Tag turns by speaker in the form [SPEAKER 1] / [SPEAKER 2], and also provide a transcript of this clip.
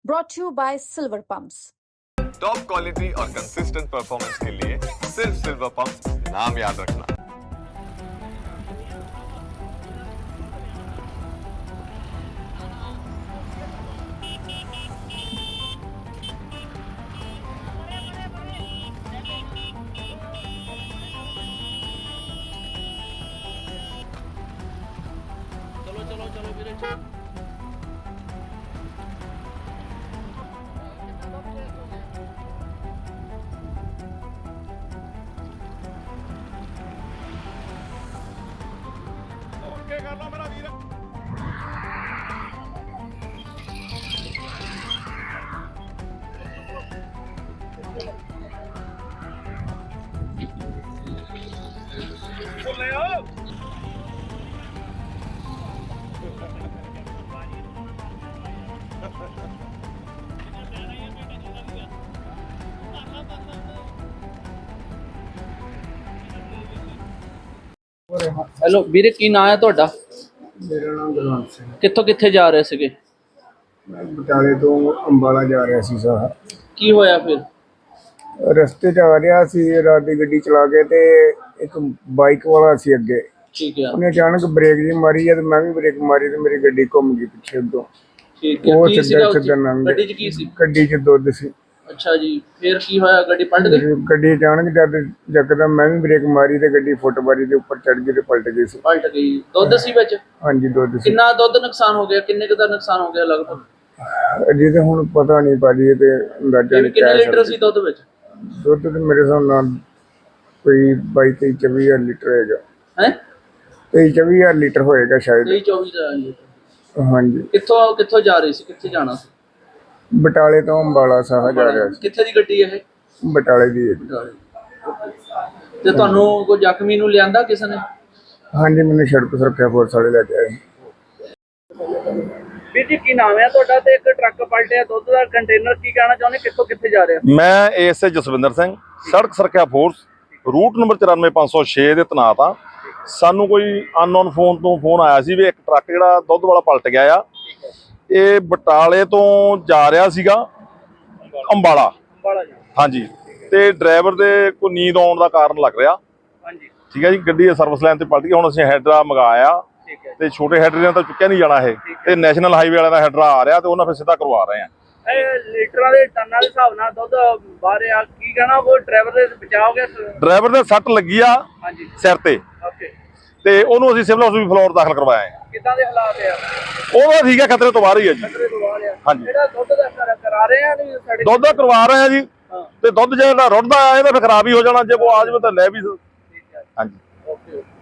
[SPEAKER 1] brought to you by Silver Pumps.
[SPEAKER 2] Top quality और consistent performance के लिए सिर्फ सिल्वर पंप्स नाम याद रखना।
[SPEAKER 3] चलो चलो चलो वीरे चलो। ओके कर लो मेरा वीर। ले आओ। ਹੈਲੋ ਵੀਰੇ, ਕੀ ਨਾਂ ਹੈ ਤੁਹਾਡਾ?
[SPEAKER 4] ਮੇਰਾ ਨਾਮ ਗੁਰਵੰਤ ਸਿੰਘ।
[SPEAKER 3] ਕਿੱਥੋਂ ਕਿੱਥੇ ਜਾ ਰਹੇ ਸੀਗੇ?
[SPEAKER 4] ਮੈਂ ਬਟਾਲੇ ਤੋਂ ਅੰਬਾਲਾ ਜਾ ਰਿਹਾ ਸੀ ਸਰ।
[SPEAKER 3] ਕੀ ਹੋਇਆ ਫਿਰ?
[SPEAKER 4] ਰਸਤੇ 'ਚ ਆ ਰਿਹਾ ਸੀ, ਰਾਤ ਦੀ ਗੱਡੀ ਚਲਾ ਕੇ ਤੇ ਇੱਕ ਬਾਈਕ ਵਾਲਾ ਸੀ ਅੱਗੇ।
[SPEAKER 3] ਠੀਕ ਹੈ
[SPEAKER 4] ਉਹਨੇ ਅਚਾਨਕ ਬ੍ਰੇਕ ਜੀ ਮਾਰੀ ਜਦ ਮੈਂ ਵੀ ਬ੍ਰੇਕ ਮਾਰੀ ਤੇ ਮੇਰੀ ਗੱਡੀ ਘੁੰਮ ਗਈ ਪਿੱਛੇ ਤੋਂ।
[SPEAKER 3] ਠੀਕ ਹੈ।
[SPEAKER 4] ਉਹ
[SPEAKER 3] ਕੀ ਸੀਗਾ
[SPEAKER 4] ਸਿੱਧਾ
[SPEAKER 3] ਉੱਥੇ?
[SPEAKER 4] ਸਿੱਧਾ ਲੰਘ ਗਿਆ।
[SPEAKER 3] ਗੱਡੀ 'ਚ ਕੀ ਸੀ?
[SPEAKER 4] ਗੱਡੀ 'ਚ ਦੁੱਧ ਸੀ।
[SPEAKER 3] ਅੱਛਾ ਜੀ, ਫਿਰ ਕੀ ਹੋਇਆ? ਗੱਡੀ ਪਲਟ ਗਈ?
[SPEAKER 4] ਗੱਡੀ ਅਚਾਨਕ ਜਦ ਯਕਦਮ ਮੈਂ ਵੀ ਬ੍ਰੇਕ ਮਾਰੀ ਤੇ ਗੱਡੀ ਫੁੱਟਬਾਰੀ ਦੇ ਉੱਪਰ ਚੜ ਗਈ ਤੇ ਪਲਟ ਗਈ ਸੀ।
[SPEAKER 3] ਪਲਟ ਗਈ। ਦੁੱਧ ਸੀ ਵਿੱਚ?
[SPEAKER 4] ਹਾਂਜੀ ਦੁੱਧ ਸੀ।
[SPEAKER 3] ਕਿੰਨਾ ਦੁੱਧ ਨੁਕਸਾਨ ਹੋ ਗਿਆ? ਕਿੰਨੇ ਕੁ ਦਾ ਨੁਕਸਾਨ ਹੋ ਗਿਆ ਲਗਭਗ?
[SPEAKER 4] ਅਜੇ ਤਾਂ ਹੁਣ ਪਤਾ ਨਹੀਂ ਭਾਜੀ, ਤੇ ਅੰਦਾਜ਼ਾ ਨਹੀਂ
[SPEAKER 3] ਕਿੰਨੇ
[SPEAKER 4] ਕਹਿ
[SPEAKER 3] ਲੀਟਰ
[SPEAKER 4] ਸਕਦੇ।
[SPEAKER 3] ਸੀ ਦੁੱਧ ਵਿੱਚ?
[SPEAKER 4] ਦੁੱਧ ਤੇ ਮੇਰੇ ਹਿਸਾਬ ਨਾਲ ਕੋਈ 22-23 ਲੀਟਰ ਹੈਗਾ।
[SPEAKER 3] ਹੈ
[SPEAKER 4] 23-24 ਲੀਟਰ ਹੋਏਗਾ ਸ਼ਾਇਦ।
[SPEAKER 3] 23-24 ਦਾ ਲੀਟਰ।
[SPEAKER 4] ਹਾਂਜੀ
[SPEAKER 3] ਕਿੱਥੋਂ ਕਿੱਥੋਂ ਜਾ ਰਹੀ ਸੀ? ਕਿੱਥੇ ਜਾਣਾ ਸੀ?
[SPEAKER 4] ਬਟਾਲੇ ਤੋਂ ਅੰਬਾਲਾ ਸਾਹ ਜਾ ਰਿਹਾ ਸੀ।
[SPEAKER 3] ਕਿੱਥੇ ਦੀ ਗੱਡੀ ਇਹ?
[SPEAKER 4] ਬਟਾਲੇ ਦੀ ਹੈ ਜੀ।
[SPEAKER 3] ਤੇ ਤੁਹਾਨੂੰ ਕੋਈ ਜ਼ਖਮੀ ਨੂੰ ਲਿਆਂਦਾ ਕਿਸੇ ਨੇ?
[SPEAKER 4] ਹਾਂਜੀ ਮੈਨੂੰ ਸੜਕ ਸੁਰੱਖਿਆ ਫੋਰਸ ਵਾਲੇ ਲੈ ਕੇ ਆਏ।
[SPEAKER 3] ਵੀਰ ਜੀ, ਕੀ ਨਾਮ ਹੈ ਤੁਹਾਡਾ? ਤੇ ਇੱਕ ਟਰੱਕ ਪਲਟਿਆ ਦੁੱਧ ਦਾ ਕੰਟੇਨਰ, ਕੀ ਕਹਿਣਾ ਚਾਹੁੰਦੇ? ਕਿੱਥੋਂ ਕਿੱਥੇ ਜਾ ਰਿਹਾ?
[SPEAKER 5] ਮੈਂ ਏਐਸਏ ਜਸਵਿੰਦਰ ਸਿੰਘ, ਸੜਕ ਸੁਰੱਖਿਆ ਫੋਰਸ, ਰੂਟ ਨੰਬਰ 94506 ਦੇ ਤੈਨਾਤ ਆ। ਸਾਨੂੰ ਕੋਈ ਅਨਨੋਨ ਫੋਨ ਤੋਂ ਫੋਨ ਆਇਆ ਸੀ ਵੀ ਇੱਕ ਟਰੱਕ ਜਿਹੜਾ ਦੁੱਧ ਵਾਲਾ ਪਲਟ ਗਿਆ ਆ। ਇਹ ਬਟਾਲੇ ਤੋਂ ਜਾ ਰਿਹਾ ਸੀਗਾ ਅੰਬਾਲਾ। ਹਾਂਜੀ, ਤੇ ਡਰਾਈਵਰ ਦੇ ਕੋਈ ਨੀਂਦ ਆਉਣ ਦਾ ਕਾਰਨ ਲੱਗ ਰਿਹਾ।
[SPEAKER 3] ਹਾਂਜੀ
[SPEAKER 5] ਠੀਕ ਹੈ ਜੀ, ਗੱਡੀ ਸਰਵਿਸ ਲਾਈਨ ਤੇ ਪਲਟ ਗਈ। ਹੁਣ ਅਸੀਂ ਹੈਡਰਾ ਮੰਗਾਇਆ ਤੇ ਛੋਟੇ ਹੈਡਰੇ ਨਾਲ ਤਾਂ ਚੁੱਕਿਆ ਨਹੀਂ ਜਾਣਾ ਇਹ, ਤੇ ਨੈਸ਼ਨਲ ਹਾਈਵੇ ਵਾਲਿਆਂ ਦਾ ਹੈਡਰਾ ਆ ਰਿਹਾ ਤੇ ਉਹਨਾਂ ਫਿਰ ਸਿੱਧਾ ਕਰਵਾ ਰਹੇ ਆ।
[SPEAKER 3] ਇਹ ਲੀਟਰਾਂ ਦੇ ਟਨਾਂ ਦੇ ਹਿਸਾਬ ਨਾਲ ਦੁੱਧ ਬਾਹਰ ਆ, ਕੀ ਕਹਿਣਾ? ਉਹ ਡਰਾਈਵਰ ਦੇ ਬਚਾਅ ਹੋ ਗਿਆ?
[SPEAKER 5] ਡਰਾਈਵਰ ਦੇ ਸੱਟ ਲੱਗੀ ਆ
[SPEAKER 3] ਹਾਂਜੀ
[SPEAKER 5] ਸਿਰ ਤੇ,
[SPEAKER 3] ਓਕੇ।
[SPEAKER 5] ਤੇ ਉਹਨੂੰ ਅਸੀਂ ਸਿਵਲ ਹਸਪੀਟਲ ਫਲੋਰ ਦਾਖਲ ਕਰਵਾਇਆ ਹੈ।
[SPEAKER 3] ਕਿੱਦਾਂ ਦੇ ਹਾਲਾਤ ਆ?
[SPEAKER 5] ਉਹਦਾ ਠੀਕ ਹੈ, ਖਤਰੇ ਤੋਂ ਬਾਹਰ ਹੀ ਹੈ ਜੀ।
[SPEAKER 3] ਖਤਰੇ ਤੋਂ ਬਾਹਰ ਆ।
[SPEAKER 5] ਹਾਂਜੀ।
[SPEAKER 3] ਜਿਹੜਾ ਦੁੱਧ ਦਾ ਕਰਾ ਰਹੇ ਆ ਨਹੀਂ ਸਾਡੇ
[SPEAKER 5] ਦੁੱਧ ਦਾ ਕਰਵਾ ਰਹੇ ਆ ਜੀ, ਤੇ ਦੁੱਧ ਜਿਹੜਾ ਰੁੜਦਾ ਆ ਇਹਦਾ ਫਿਰ ਖਰਾਬ ਹੀ ਹੋ ਜਾਣਾ। ਜੇ ਕੋਈ ਆ ਜਾਵੇ ਤਾਂ ਲੈ ਵੀ।
[SPEAKER 3] ਠੀਕ ਹੈ।
[SPEAKER 5] ਹਾਂਜੀ।
[SPEAKER 3] ਓਕੇ।